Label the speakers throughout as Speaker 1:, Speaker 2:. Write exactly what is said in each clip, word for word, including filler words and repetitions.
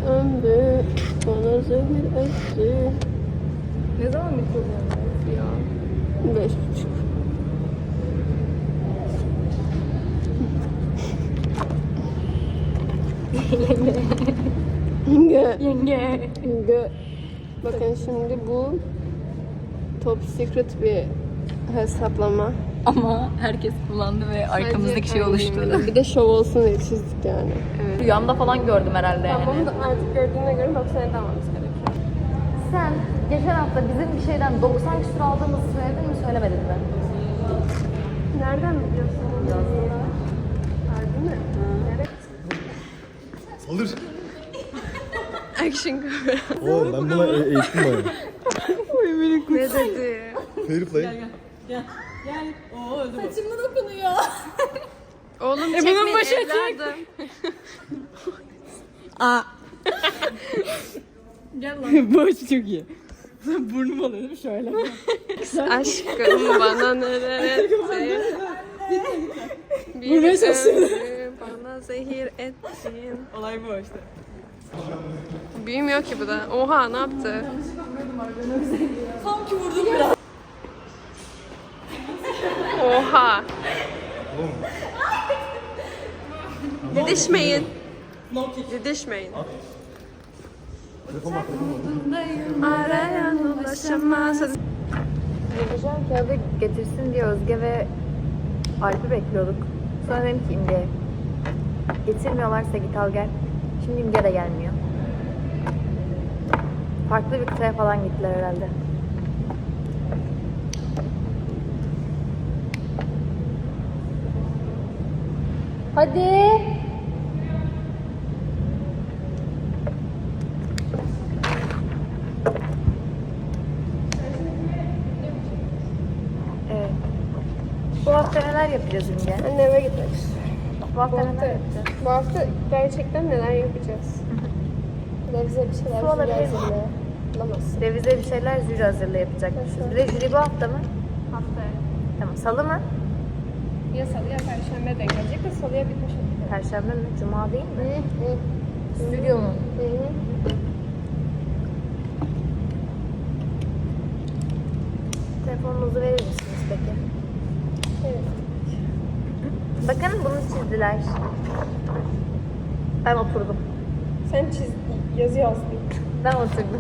Speaker 1: ömrü bana zehir etti.
Speaker 2: Ne zaman bitiyor bu ya?
Speaker 1: Beş buçuk. Yenge.
Speaker 2: Yenge.
Speaker 1: Yenge. Bakın şimdi bu top secret bir hesaplama.
Speaker 2: Ama herkes kullandı ve arkamızdaki şey oluştu.
Speaker 1: Bir de şov olsun diye çizdik yani.
Speaker 2: Evet. Rüyamda falan gördüm herhalde yani.
Speaker 1: Tamam da artık gördüğüne göre doksan elli almamız gerekiyor.
Speaker 2: Sen geçen hafta bizim bir şeyden doksan küsur aldığımızı söyledin mi söylemedin mi?
Speaker 1: Nereden biliyorsun? Harbi mi? Nereye?
Speaker 3: Salır.
Speaker 1: Action kamera.
Speaker 3: Oo ben buna e- eğitim bayağı.
Speaker 1: Ne dedi?
Speaker 3: Fair play.
Speaker 2: Saçımı dokunuyor.
Speaker 1: Oğlum
Speaker 2: E, bunun
Speaker 1: çekmeyin
Speaker 2: başı
Speaker 1: evladım.
Speaker 2: Aa. Gel lan. Bu açı çok iyi. Burnum oluyor değil mi şöyle?
Speaker 1: Aşkım bana neler etti. Bir
Speaker 2: Vurmaya çalışıyorum.
Speaker 1: ömrü bana zehir ettin.
Speaker 2: Olay bu işte.
Speaker 1: Büyümüyor ki bu da. Oha ne yaptı?
Speaker 2: Sanki vurdum biraz.
Speaker 1: Oha. Didişmeyin. Didişmeyin. Arayan ulaşamaz.
Speaker 2: Yapacağım kağıdı getirsin diye Özge ve Alp'i bekliyorduk. Sonra dedim ki İmge'ye getirmiyorlarsa git al gel. Şimdi İmge de gelmiyor. Farklı bir kıtaya falan gittiler herhalde. Hadi. Evet. Bu hafta neler yapacağız İmge?
Speaker 1: Anne eve gitmek istiyorum.
Speaker 2: Bu hafta
Speaker 1: Bu
Speaker 2: neler
Speaker 1: hafta,
Speaker 2: yapacağız?
Speaker 1: bu hafta gerçekten neler yapacağız? Revize bir şeyler
Speaker 2: Su alabilir miyim?
Speaker 1: hazırlaya. Bulamazsın.
Speaker 2: Revize bir şeyler jüri hazırla yapacakmışız. Bir de jüri bu hafta mı?
Speaker 1: Haftaya.
Speaker 2: Tamam. Salı mı?
Speaker 1: Ya salı ya perşembe denk gelecek de salıya bitmiş olacak.
Speaker 2: Perşembe mi? Cuma değil mi?
Speaker 1: Hı hı.
Speaker 2: Stüdyo mu?
Speaker 1: Hı hı.
Speaker 2: Telefonunuzu verir misiniz peki?
Speaker 1: Evet.
Speaker 2: Bakın bunu çizdiler. Ben oturdum.
Speaker 1: Sen çiz, yazı yazdın.
Speaker 2: Ben oturdum.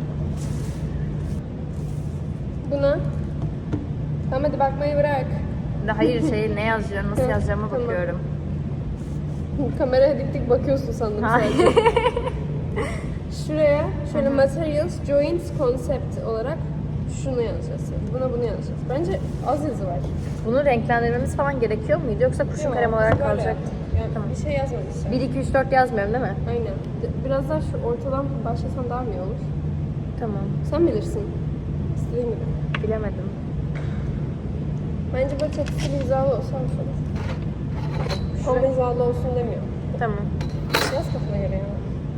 Speaker 1: Buna. Tamam hadi bakmayı bırak.
Speaker 2: Hayır şey ne yazacağım, nasıl
Speaker 1: Hı,
Speaker 2: yazacağıma
Speaker 1: tamam.
Speaker 2: bakıyorum.
Speaker 1: Kameraya dik dik bakıyorsun sandım
Speaker 2: Hayır.
Speaker 1: sadece. Şuraya şöyle materials, joints, concept olarak şunu yazacağız. Buna bunu yazacağız. Bence az yazı var.
Speaker 2: Bunu renklendirmemiz falan gerekiyor muydu yoksa kurşun
Speaker 1: Yok,
Speaker 2: kalem olarak
Speaker 1: böyle
Speaker 2: kalacak?
Speaker 1: yaptım. Yani
Speaker 2: Tamam.
Speaker 1: bir şey yazmamışlar.
Speaker 2: bir, iki, üç, dört yazmıyorum değil mi?
Speaker 1: Aynen. De- Biraz daha şu ortadan başlasan daha mı iyi olur?
Speaker 2: Tamam.
Speaker 1: Sen bilirsin. İstediğin gibi.
Speaker 2: Bilemedim.
Speaker 1: Bence böyle çatısı bir hizalı olsa hoş olur. Ama hizalı olsun demiyorum.
Speaker 2: Tamam.
Speaker 1: Yaz kafana göre ya.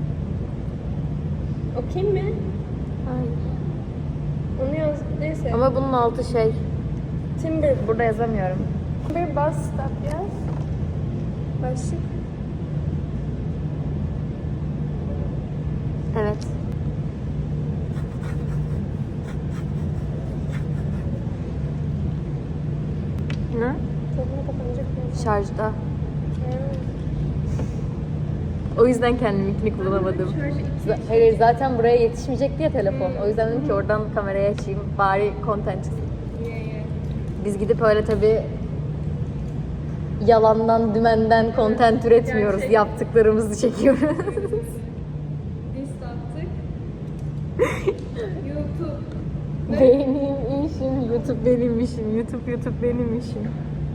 Speaker 1: Okey mi?
Speaker 2: Hayır.
Speaker 1: Onu yaz. Neyse.
Speaker 2: Ama bunun altı şey.
Speaker 1: Timber.
Speaker 2: Burada yazamıyorum.
Speaker 1: Timber bus stop yaz. Başlık.
Speaker 2: Evet. Ne?
Speaker 1: Telefonu kapanacak mı?
Speaker 2: Şarjda. O yüzden kendiminkini kullanamadım. Z- Hayır zaten buraya yetişmeyecek diye telefon. O yüzden dedim ki oradan kamerayı açayım. Bari content çıksın. Biz gidip öyle tabii yalandan, dümenden content üretmiyoruz.
Speaker 1: gerçek.
Speaker 2: Yaptıklarımızı çekiyoruz.
Speaker 1: List attık. YouTube.
Speaker 2: Benim işim, YouTube benim işim, YouTube YouTube benim işim.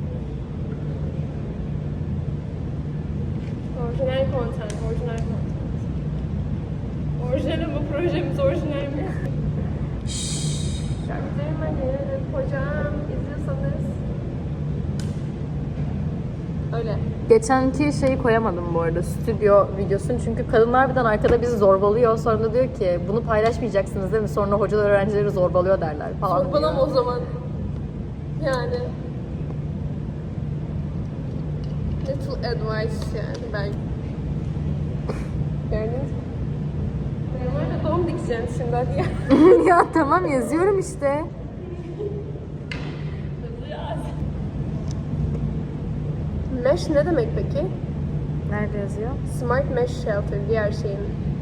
Speaker 1: Orijinal content, orijinal content. Orijinal ama projemiz orijinal mi? Şarkılarım hadi. Hocam izliyorsanız. Öyle.
Speaker 2: Geçenki şeyi koyamadım bu arada, stüdyo videosunu. Çünkü kadınlar birden arkada bizi zorbalıyor. Sonra da diyor ki bunu paylaşmayacaksınız değil mi? Sonra hocalar öğrencileri zorbalıyor derler falan
Speaker 1: Sorbalama
Speaker 2: diyor.
Speaker 1: o zaman. Yani. Little advice yani ben. Gördünüz mü? yazacağım şimdi hadi ya.
Speaker 2: Ya tamam yazıyorum işte.
Speaker 1: Mesh ne demek peki?
Speaker 2: Nerede yazıyor?
Speaker 1: Smart Mesh Shelter diğer şeyin.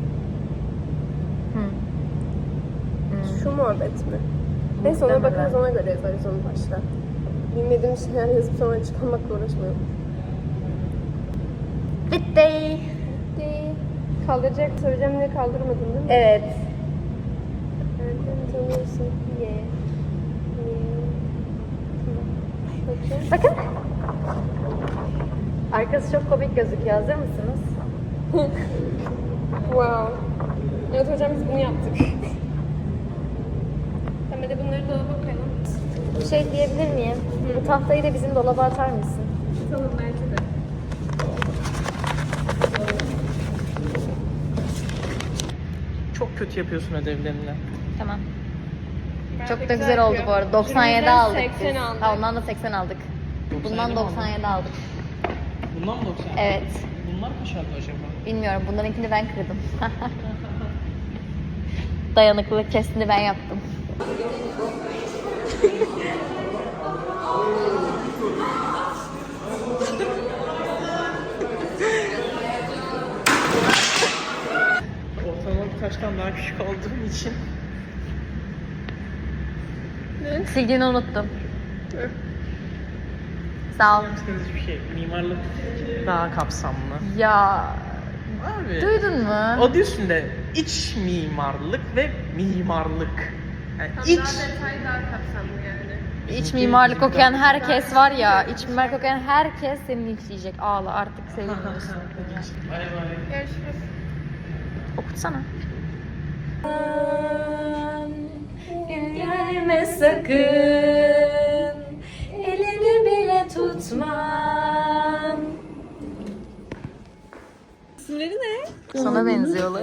Speaker 2: Hı.
Speaker 1: Şu muhabbet mi? Neyse ona
Speaker 2: Muhtemelen.
Speaker 1: bakarız, ona göre yazarız onu başta. Bilmediğim şeyler yazıp sonra çıkarmakla uğraşmayalım.
Speaker 2: Bitti.
Speaker 1: Kaldıracak söyleyeceğim diye kaldırmadın değil mi?
Speaker 2: Evet.
Speaker 1: Nereden tanıyorsun? Ye. Ye. Bakayım.
Speaker 2: Bakın. Arkası çok komik gözüküyor. Hazır mısınız?
Speaker 1: Wow. Evet hocam biz bunu yaptık. Hemen de bunları dolaba koyalım.
Speaker 2: Bir şey diyebilir miyim? Bu tahtayı da bizim dolaba atar mısın?
Speaker 1: Tamam belki de.
Speaker 4: Çok kötü yapıyorsun ödevlerini.
Speaker 2: Tamam.
Speaker 1: Bayağı
Speaker 2: Çok da
Speaker 1: güzel
Speaker 2: güzel oldu
Speaker 1: yapıyor.
Speaker 2: bu arada. doksan yedi
Speaker 1: Jürimizden
Speaker 2: aldık
Speaker 1: seksen
Speaker 2: biz.
Speaker 1: aldık.
Speaker 2: Ha, ondan da seksen aldık. Bundan
Speaker 4: doksan yedi mi
Speaker 2: doksan yedi aldık.
Speaker 4: Bundan mı doksan?
Speaker 2: Evet.
Speaker 4: Bunlar kaç aldı acaba?
Speaker 2: Bilmiyorum. Bunlarınkini ben kırdım. Dayanıklılık testini ben yaptım.
Speaker 4: Ortalama bir taştan daha küçük olduğum için.
Speaker 2: Sildiğini unuttum. Sağ ol.
Speaker 4: Yaptığınız bir şey. Mimarlık daha kapsamlı.
Speaker 2: Ya
Speaker 4: Abi.
Speaker 2: duydun mu?
Speaker 4: Adı üstünde iç mimarlık ve mimarlık. Yani
Speaker 1: Tam
Speaker 4: iç
Speaker 1: daha detay daha kapsamlı yani.
Speaker 2: İç mimarlık okuyan herkes var ya, iç mimarlık okuyan herkes seni linçleyecek. Ağla artık sevmiyorsun.
Speaker 4: Bay bay.
Speaker 1: Görüşürüz.
Speaker 2: Okutsana. Gelme sakın, elini bile tutmam.
Speaker 1: İsimleri ne?
Speaker 2: Sana benziyorlar.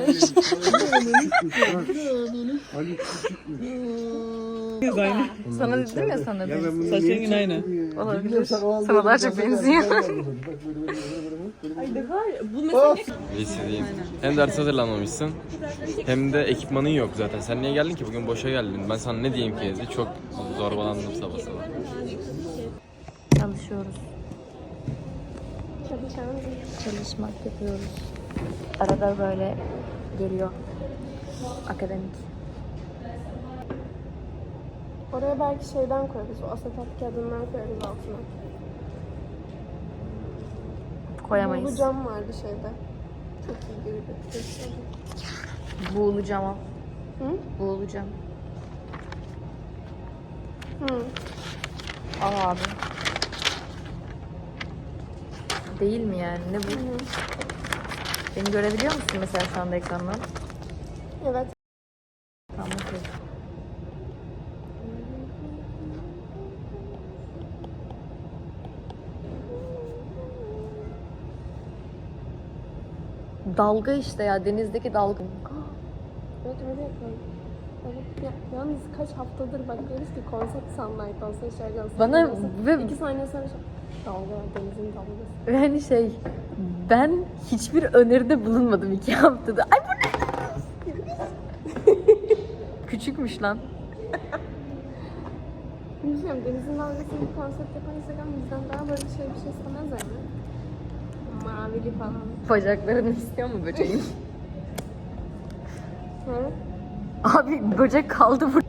Speaker 4: Aynı.
Speaker 2: Sana dedim ya sana benziyor.
Speaker 4: Saçın yine aynı.
Speaker 2: Olabilir. Sana daha çok benziyor.
Speaker 3: Lisedeyim. Hem ders hazırlanmamışsın hem de ekipmanın yok zaten. Sen niye geldin ki? Bugün boşa geldin. Ben sana ne diyeyim ki? Çok zorbalandım sabah sabah.
Speaker 2: Çalışıyoruz.
Speaker 1: Çalışalım.
Speaker 2: Çalışmak yapıyoruz. Arada böyle geliyor. Akademik.
Speaker 1: Oraya belki şeyden koyarız, o asetat kağıdından koyarız altına.
Speaker 2: Koyamayız.
Speaker 1: Bu cam vardı şeyde. Çok iyi görünüyor.
Speaker 2: Buğulacağım o.
Speaker 1: Hı?
Speaker 2: Buğulacağım.
Speaker 1: Hı.
Speaker 2: Al abi. Değil mi yani? Ne bu? Beni görebiliyor musun mesela şu anda ekrandan?
Speaker 1: Evet.
Speaker 2: Tamam, okey. Dalga işte ya, denizdeki dalga.
Speaker 1: Evet öyle yapalım. Evet, ya, yalnız kaç haftadır bak diyoruz ki konsept sunlight olsa şarkı olsa.
Speaker 2: Bana
Speaker 1: olsa.
Speaker 2: ve-
Speaker 1: iki saniye sonra şey, dalga, denizin dalgası.
Speaker 2: Yani şey, ben hiçbir öneride bulunmadım iki haftada. Ay bu ne? Küçükmüş lan.
Speaker 1: Bilmiyorum, denizin dalgasını bir konsept yapan Instagram bizden daha böyle şey bir şey istemez yani. Mavili falan.
Speaker 2: Bacaklarını istiyor mu böceğin?
Speaker 1: Hı?
Speaker 2: Abi böcek kaldı burada.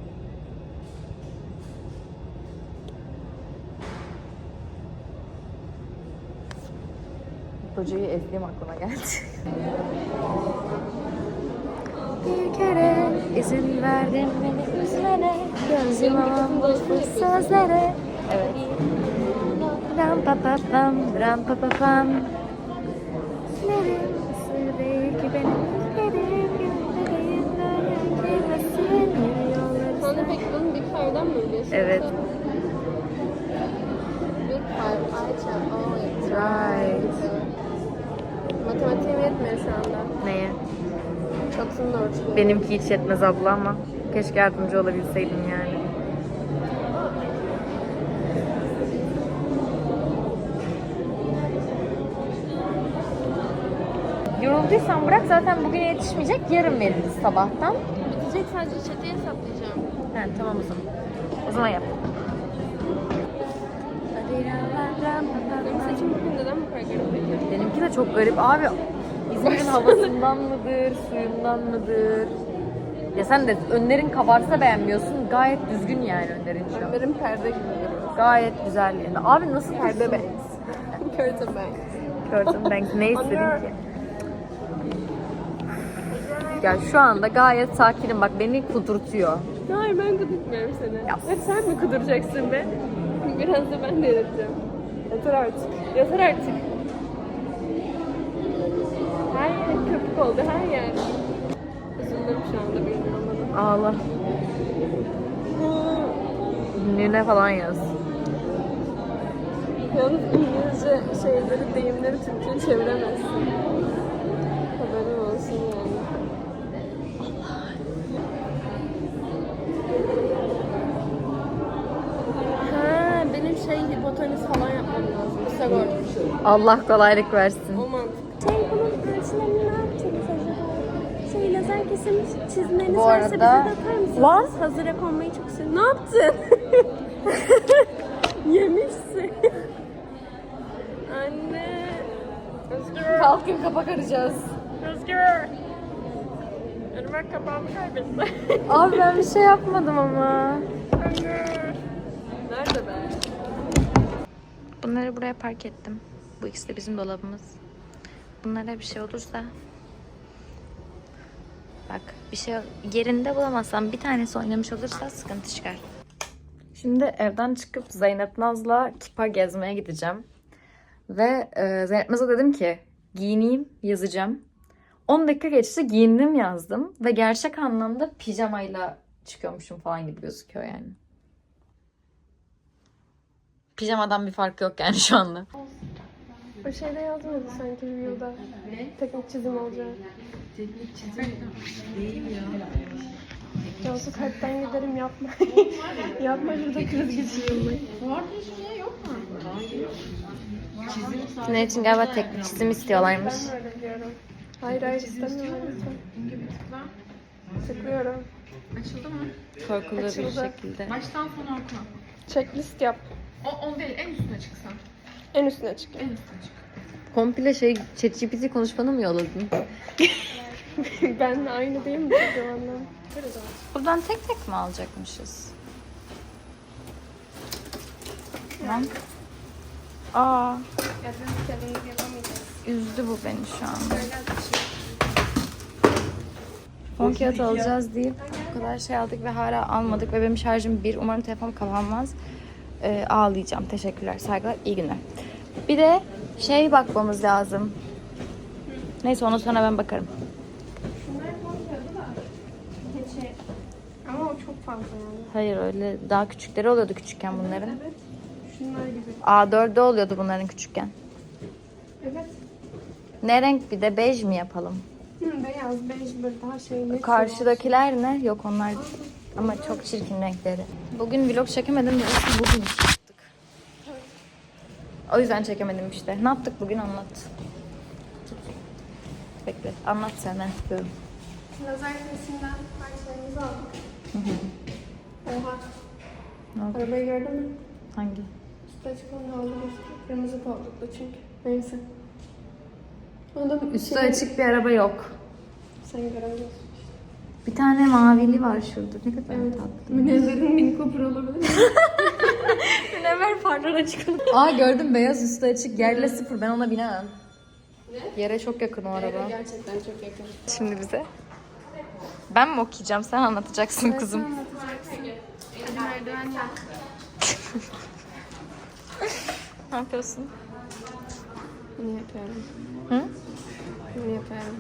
Speaker 2: Böceği ezdiğim aklıma geldi. Bir kere izin verdim beni üzmene, gözüm almış bu sözlere. Evet. Ram pa pa pam, ram pa pa pam. Nerim sır değil ki benim ülkerim, gönderim böyle girmesin yolları.
Speaker 1: Sen de peki bunun Big Five'dan mı biliyorsun?
Speaker 2: Evet.
Speaker 1: Big Five, Ayça, oh it's
Speaker 2: Right.
Speaker 1: Matematiğim yetmiyor şu anda.
Speaker 2: Neye?
Speaker 1: Çatının ölçüleri.
Speaker 2: Benimki hiç yetmez abla ama keşke yardımcı olabilseydim yani. Yorulduysan bırak, zaten bugün yetişmeyecek, yarın veririz sabahtan.
Speaker 1: İçecek sadece içeceği hesaplayacağım.
Speaker 2: He tamam o zaman. O zaman yap.
Speaker 1: Benim saçım bugün neden bu kadar garip peki?
Speaker 2: Benimki de çok garip abi. İzmir'in havasından mıdır, suyundan mıdır? Ya sen de önlerin kabarsa beğenmiyorsun. Gayet düzgün yani önlerin şu an.
Speaker 1: Benim perde gibi duruyor.
Speaker 2: Gayet güzel yani. Abi nasıl
Speaker 1: Perde
Speaker 2: perde be?
Speaker 1: banks. Curtain banks.
Speaker 2: Curtain bank ne istedin ki? Ya şu anda gayet sakinim. Bak beni kudurtuyor.
Speaker 1: Hayır ben kudurtmuyorum seni.
Speaker 2: Ya.
Speaker 1: Hep sen mi kuduracaksın be? Biraz da ben de yaratacağım. Yeter artık. Yeter artık. Her yer köpük oldu her yer. Üzüldüm şu anda bilmiyorum bana.
Speaker 2: Ağla. Ünlüğüne falan yaz.
Speaker 1: Yalnız İngilizce şeyleri, deyimleri Türkçe'ye çeviremezsin. Haberin olsun yani. Ha, benim şey hipotenüs falan yapmam lazım. Pisagor.
Speaker 2: Allah kolaylık versin.
Speaker 1: O mantık. Şey bunun ölçülerini ne yapacağız acaba? Şey lazer kesim çizmeniz
Speaker 2: Bu
Speaker 1: varsa
Speaker 2: arada-
Speaker 1: bize de atar mısınız?
Speaker 2: Var.
Speaker 1: Hazıra konmayı çok seviyorum. Ne yaptın? Yemişsin. Anne. Özgür.
Speaker 2: Kalkın kapak arayacağız.
Speaker 1: Özgür. Irmak kapağımı kaybetti.
Speaker 2: Abi ben bir şey yapmadım ama.
Speaker 1: Nerede be?
Speaker 2: Bunları buraya park ettim. Bu ikisi de bizim dolabımız. Bunlara bir şey olursa... Bak bir şey yerinde bulamazsam bir tanesi oynamış olursa sıkıntı çıkar. Şimdi evden çıkıp Zeynep Naz'la Kipa gezmeye gideceğim. Ve e, Zeynep Naz'a dedim ki giyineyim yazacağım. on dakika geçti giyindim yazdım. Ve gerçek anlamda pijamayla çıkıyormuşum falan gibi gözüküyor yani. Pijamadan bir fark yok yani şu anda.
Speaker 1: O şeyde yazmadı sanki review'da. Teknik çizim olacak.
Speaker 5: Teknik çizim değil ya.
Speaker 1: Cansu kalpten giderim yapma. Yapma şurada kriz geçiriyorum.
Speaker 5: Fuar geçmeye yok mu? Hayır. Çizim sadece.
Speaker 2: Ne için galiba teknik çizim istiyorlarmış.
Speaker 1: Ben öyle diyorum. Hayır hayır istemiyorum lütfen.
Speaker 5: İnce bir tıkla.
Speaker 1: Tıklıyorum.
Speaker 5: Açıldı mı?
Speaker 2: Korkulu bir
Speaker 1: Açıldı.
Speaker 2: şekilde.
Speaker 5: Baştan sona oku.
Speaker 1: Checklist yap.
Speaker 5: O, on değil, en üstüne çıksan.
Speaker 1: En üstüne çık.
Speaker 5: En üstüne çık.
Speaker 2: Komple şey ChatGPT konuşmanı mı yolladın?
Speaker 1: Benle aynı değil mi bu zamandan?
Speaker 2: Buradan tek tek mi alacakmışız? Tamam. Aa,
Speaker 1: Ya ben kendimiz yapamayacağız.
Speaker 2: üzdü bu beni şu anda. Fon kağıt alacağız deyip bu kadar şey aldık ve hala almadık ve benim şarjım bir. Umarım telefonum kapanmaz. Ee, ağlayacağım. Teşekkürler, saygılar, iyi günler. Bir de şey bakmamız lazım. Neyse ona sonra ben bakarım.
Speaker 1: Şunlar konuşuyordu da. Keçi. Ama o çok fazla yani.
Speaker 2: Hayır öyle daha küçükleri oluyordu küçükken bunların.
Speaker 1: Evet. Şunlar gibi.
Speaker 2: A dörtte oluyordu bunların küçükken.
Speaker 1: Evet.
Speaker 2: Ne renk bir de bej mi yapalım?
Speaker 1: Hı, beyaz, bej böyle daha şey. ne
Speaker 2: Karşıdakiler ne? Yok onlar ama çok çirkin renkleri. Bugün vlog çekemedim de aslında bugün çıktık. O yüzden çekemedim işte. Ne yaptık bugün anlat. Bekle anlat sen ben istiyorum.
Speaker 1: Lazer kesimden parçalarımızı aldık. Oha.
Speaker 2: Ne oldu?
Speaker 1: Arabayı gördün mü?
Speaker 2: Hangi?
Speaker 1: Üstü açık onu aldım. Kırmızı koltuklu çünkü. Neyse. Onu da
Speaker 2: Üstü
Speaker 1: şey-
Speaker 2: açık bir araba yok.
Speaker 1: Sen göremiyorsun.
Speaker 2: Bir tane mavili var şurada. Ne kadar tatlı.
Speaker 1: Münevver'in Mini Cooper olabilir.
Speaker 2: Münevver farlara çıkalım. Aa gördüm beyaz üstü açık. Yerle sıfır. Ben ona binemem. Ne? Yere çok yakın o araba.
Speaker 1: Gerçekten çok yakın.
Speaker 2: Şimdi bize. Ben mi okuyacağım? Sen anlatacaksın kızım.
Speaker 1: Hadi merdiven yap.
Speaker 2: Ne yapıyorsun?
Speaker 1: Bunu yapıyorum.
Speaker 2: Hı?
Speaker 1: Bunu yapıyorum.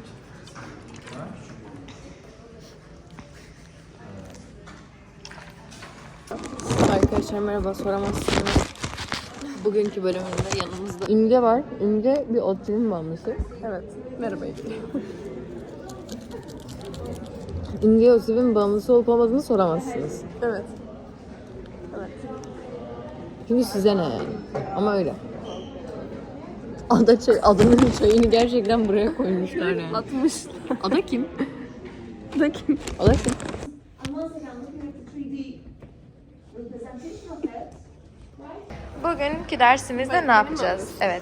Speaker 1: Arkadaşlar merhaba, soramazsınız. Bugünkü bölümümüzde yanımızda İmge var. İmge bir oturum bağımlısı. Evet. Merhaba İmge. İmge Yosif'in bağımlısı olup olmadığını soramazsınız. Evet. Evet. Çünkü size ne yani? Ama öyle. Ada çay, adanın çayını gerçekten buraya koymuşlar yani. Atmış. Ada kim?
Speaker 2: Bu da kim?
Speaker 1: O da kim?
Speaker 2: Bugünkü dersimizde ne yapacağız? Evet.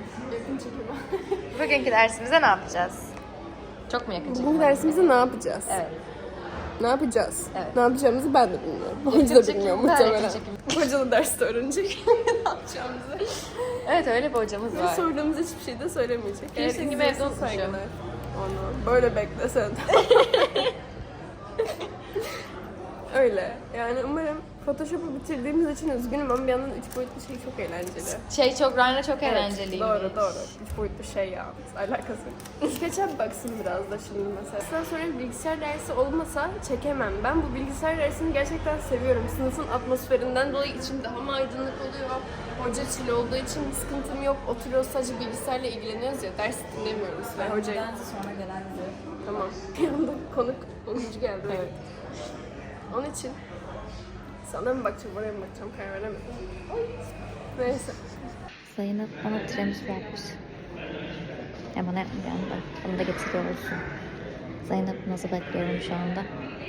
Speaker 2: Bugünkü dersimizde ne yapacağız?
Speaker 1: Çok mu yakın çekim?
Speaker 5: Bu dersimizde ne yapacağız?
Speaker 2: Evet.
Speaker 5: Ne yapacağız?
Speaker 2: Evet.
Speaker 5: Ne yapacağımızı ben de bilmiyorum. Hoca da bilmiyor
Speaker 2: çekim,
Speaker 5: muhtemelen.
Speaker 2: yakın çekim.
Speaker 5: Hoca da derste öğrenecek ne yapacağımızı.
Speaker 2: Evet, öyle bir hocamız
Speaker 5: Ve
Speaker 2: var.
Speaker 5: sorduğumuz hiçbir şey de söylemeyecek. Eğer
Speaker 2: Piercing gibi evde
Speaker 5: izliyorsa
Speaker 2: unutmuşum.
Speaker 5: saygılar. Onu böyle beklesen. Öyle. Yani umarım Photoshop'u bitirdiğimiz için üzgünüm ama bir yandan üç boyutlu şey çok eğlenceli.
Speaker 2: Şey çok, Ryan'la çok
Speaker 5: Evet,
Speaker 2: eğlenceliymiş.
Speaker 5: doğru doğru. Üç boyutlu şey ya. Alakası yok. SketchUp baksın biraz da şimdi mesela. Sizden sonra bir bilgisayar dersi olmasa çekemem. Ben bu bilgisayar dersini gerçekten seviyorum. Sınıfın atmosferinden dolayı içim daha mı aydınlık oluyor. Hoca chill olduğu için bir sıkıntım yok. Oturuyoruz sadece bilgisayarla ilgileniyoruz ya. Ders dinlemiyoruz. Ve hocayı...
Speaker 2: sonra gelen
Speaker 5: Tamam. Bir anda konuk onuncu geldi. Evet. Onun için sana mı bakacağım, oraya mı bakacağım karar veremedim. Neyse.
Speaker 2: Zeynep bana tiramisu yapmış. Ya bana yapmayacağım da. Onu da getiriyor olsun. Zeynep nasıl bekliyorum şu anda.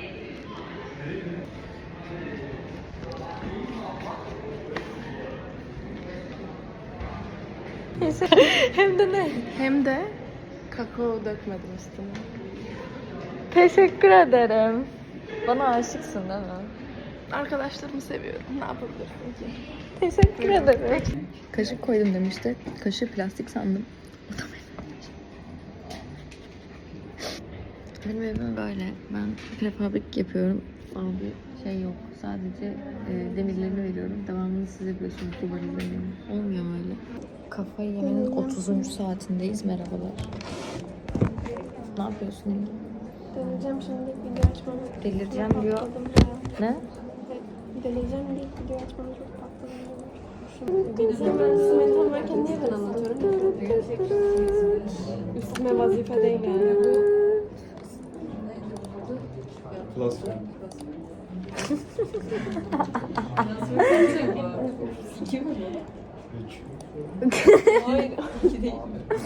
Speaker 2: Hem de ne?
Speaker 5: Hem de kakao dökmedim üstüne.
Speaker 2: Teşekkür ederim. Bana aşıksın değil mi?
Speaker 5: Arkadaşlarımı seviyorum. Ne yapabilirsin ki?
Speaker 2: Teşekkür ederim.
Speaker 1: Kaşık koydum demişti. Kaşığı plastik sandım. O da benim. Benim evim böyle. Ben prefabrik yapıyorum. Abi şey yok. Sadece e, demirlerini veriyorum. Devamını siz yapıyorsunuz. Duvar izleniyorum. Olmuyor mu öyle? Kafayı yemenin otuzuncu saatindeyiz. Merhabalar. Ne yapıyorsun Emre?
Speaker 5: Deneyeceğim şimdi video açmam.
Speaker 1: Delireceğim diyor. Ne?
Speaker 5: Deneyeceğim diye video açmam çok patladım. Sen ben size mental varken niye ben anlatıyorum? Üstüme vazife değil yani bu. Hayır, iki değil.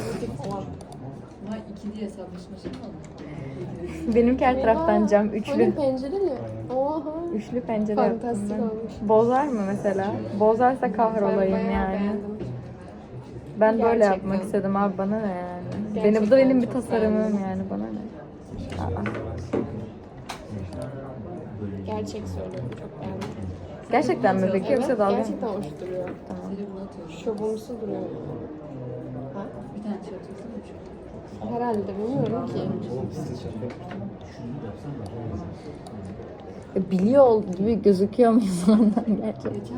Speaker 2: Benimki her taraftan cam.
Speaker 5: Hani
Speaker 2: Üçlü,
Speaker 5: pencere mi? Oha.
Speaker 2: üçlü pencere yaptım
Speaker 5: Fantastik
Speaker 2: ben.
Speaker 5: olmuş.
Speaker 2: Bozar mı mesela? Bozarsa kahrolayım
Speaker 5: Ben bayağı
Speaker 2: yani.
Speaker 5: beğendim.
Speaker 2: Ben böyle
Speaker 5: Gerçekten.
Speaker 2: yapmak istedim abi, bana ne yani?
Speaker 5: Gerçekten
Speaker 2: Benim, bu da benim bir
Speaker 5: çok
Speaker 2: tasarımım
Speaker 5: beğendim.
Speaker 2: yani, bana ne? Aa.
Speaker 5: Gerçek söylüyorum, çok beğendim.
Speaker 2: Gerçekten mi peki, yoksa
Speaker 5: Evet,
Speaker 2: dalga mı?
Speaker 5: gerçekten hoş duruyor.
Speaker 2: Tamam.
Speaker 5: Şovumsu duruyor. Ha? Herhalde bilmiyorum ki.
Speaker 1: E, Biliyor ol- gibi gözüküyor muyuz ondan gerçekten?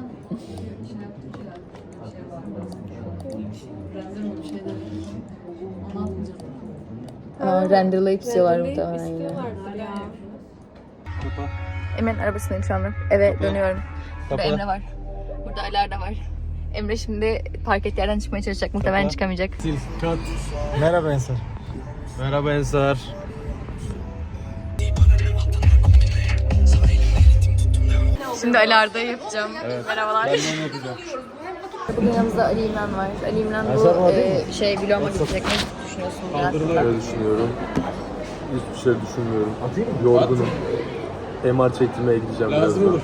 Speaker 1: Aa, renderlayıp istiyorlar muhtemelen yine.
Speaker 5: İstiyorlardır ya.
Speaker 2: Emre'nin arabasındayım şu anda. Eve dönüyorum. Burada Emre var. Burada Alar da var. Emre şimdi park ettiği yerden çıkmaya çalışacak. Muhtemelen çıkamayacak.
Speaker 3: Merhaba Ensar. Merhaba Ensar.
Speaker 2: Şimdi Alar'da yapacağım. Merhabalar.
Speaker 3: Ben de onu yapacağım.
Speaker 1: Bugün yanımızda Ali İmran var. Ali İmran bu e, şey vloguma gidecek. Ne düşünüyorsun bu hakkında?
Speaker 6: Öyle düşünüyorum. Hiçbir şey düşünmüyorum. Yorgunum. M R çektirmeye gideceğim birazdan.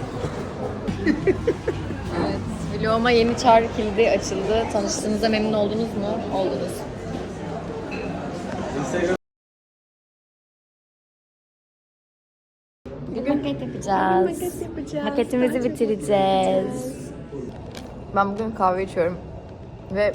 Speaker 1: Evet, vloguma yeni çağrı kilidi açıldı. Tanıştığınızda memnun oldunuz mu? Oldunuz.
Speaker 2: Bugün maket yapacağız. Maketimizi bitireceğiz.
Speaker 1: Ben bugün kahve içiyorum. Ve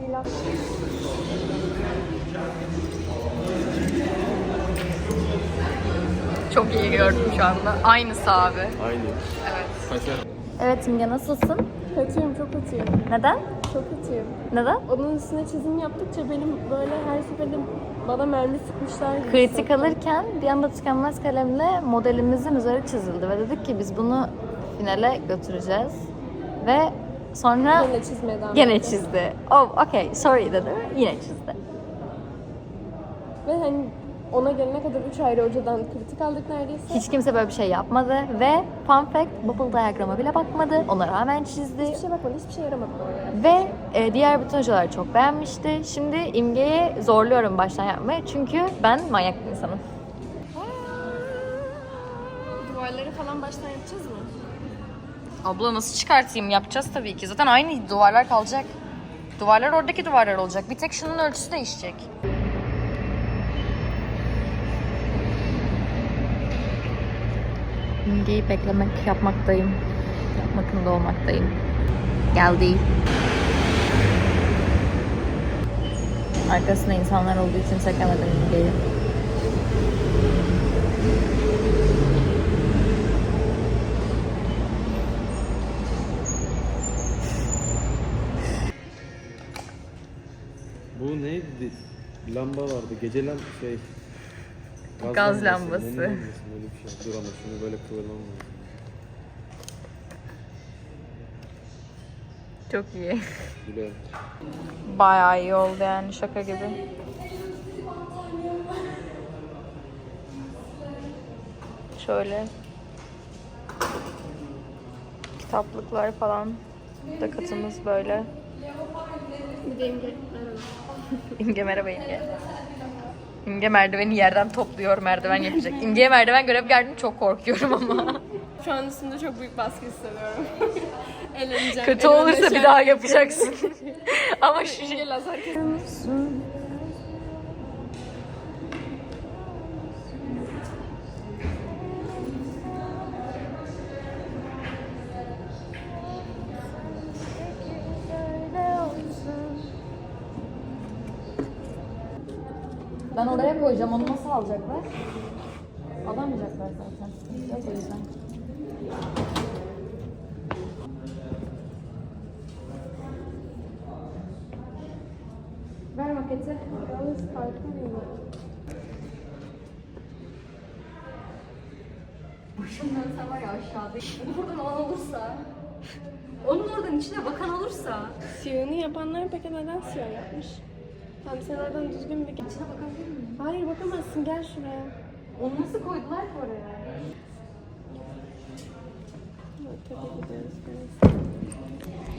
Speaker 1: çok iyi gördüm şu anda. Aynısı abi.
Speaker 6: Aynı.
Speaker 2: Evet Simge, nasılsın?
Speaker 5: Kötüyüm, çok kötüyüm.
Speaker 2: Neden?
Speaker 5: Çok kötüyüm.
Speaker 2: Neden?
Speaker 5: Onun üstüne çizim yaptıkça benim böyle her seferinde bana mermi sıkmışlar gibi.
Speaker 2: Kritik
Speaker 5: hissettim.
Speaker 2: alırken bir anda tükenmez kalemle modelimizin üzeri çizildi ve dedik ki biz bunu finale götüreceğiz. Ve sonra
Speaker 5: Gene çizmeye devam
Speaker 2: gene
Speaker 5: ettim.
Speaker 2: çizdi. Oh okay, sorry dedi. Yine çizdi.
Speaker 5: Ve hani ona gelene kadar üç ayrı hocadan kritik aldık neredeyse.
Speaker 2: Hiç kimse böyle bir şey yapmadı ve fun fact, bubble diagram'a bile bakmadı. Ona rağmen çizdi.
Speaker 5: Hiçbir şey bakmadı, hiçbir şey yaramadı bana.
Speaker 2: Ve e, diğer bütün hocalar çok beğenmişti. Şimdi İmge'yi zorluyorum baştan yapmaya çünkü ben manyak bir insanım.
Speaker 5: Duvarları falan baştan yapacağız mı?
Speaker 2: Abla nasıl çıkartayım? Yapacağız tabii ki. Zaten aynı duvarlar kalacak. Duvarlar oradaki duvarlar olacak. Bir tek şunun ölçüsü değişecek. İmgeyi beklemek yapmaktayım. Yapmakında olmaktayım. Geldi. Arkasında insanlar olduğu için çekemedim İmgeyi.
Speaker 3: Bu neydi? Lamba vardı. Gece lam şey.
Speaker 2: Gaz lambası.
Speaker 3: Neyin lambası? Böyle bir şey. Dur ama şunu böyle kıvırmam lazım.
Speaker 2: Çok iyi.
Speaker 3: Güzel.
Speaker 2: Bayağı iyi oldu yani, şaka gibi. Şöyle kitaplıklar falan da katımız böyle.
Speaker 5: Bir de imge.
Speaker 2: İmge merhaba İmge. İmge merdiveni yerden topluyor, merdiven yapacak. İmge'ye merdiven görev geldim, çok korkuyorum ama.
Speaker 5: Şu an üstümde çok büyük baskı hissediyorum. Eğleneceğim.
Speaker 2: Kötü olursa bir daha yapacaksın. Ama şu
Speaker 5: İmge lazer kes-
Speaker 2: ben oraya koyacağım, onu nasıl alacaklar? Alamayacaklar zaten. Yok o yüzden.
Speaker 5: Ver maketi. Yalnız kalkamıyorum.
Speaker 2: Başımdan sen var ya aşağıda. Oradan olan olursa. Onun oradan içine bakan olursa.
Speaker 5: Siyahını yapanlar peki neden siyah yapmış? Tamam sen oradan düzgün bir...
Speaker 2: İçine bakabilir miyim?
Speaker 5: Hayır bakamazsın, gel şuraya.
Speaker 2: Onu nasıl koydular ki oraya?
Speaker 5: Tabii gidiyoruz.